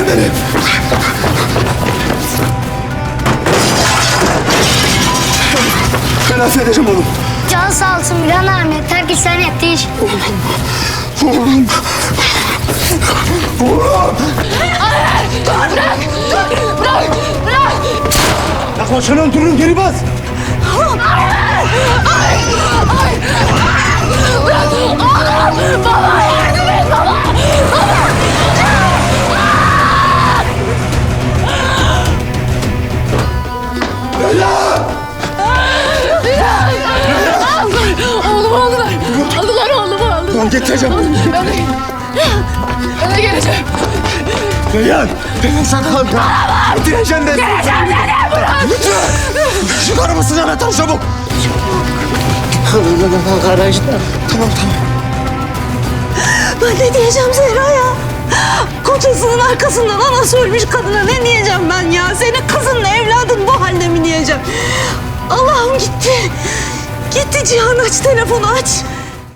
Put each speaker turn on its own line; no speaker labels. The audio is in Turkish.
beni. Ben affedeceğim oğlum.
Can sağ olsun Miran abi. Yeter ki sen yetiş.
Oğlum. Oğlum.
Bırak!
Yakma şunu, durun, geri bas.
Bırak! Oğlum! Baba yardım et baba! Oğlumu aldılar. Aldılar oğlumu aldılar.
Ben getireceğim.
Eve geleceğim.
Reyhan. Reyhan sakın. Getireceğim ben.
Geleceğim seni bırak.
Lütfen. Çıkar mısın anahtarı çabuk?
Garajda.
Tamam.
Ben ne diyeceğim Zehra'ya? Kocasının arkasından anası ölmüş kadına ne diyeceğim ben ya? Senin kızınla evladın bu halde mi diyeceğim? Allah'ım gitti. Gitti Cihan, aç telefonu aç.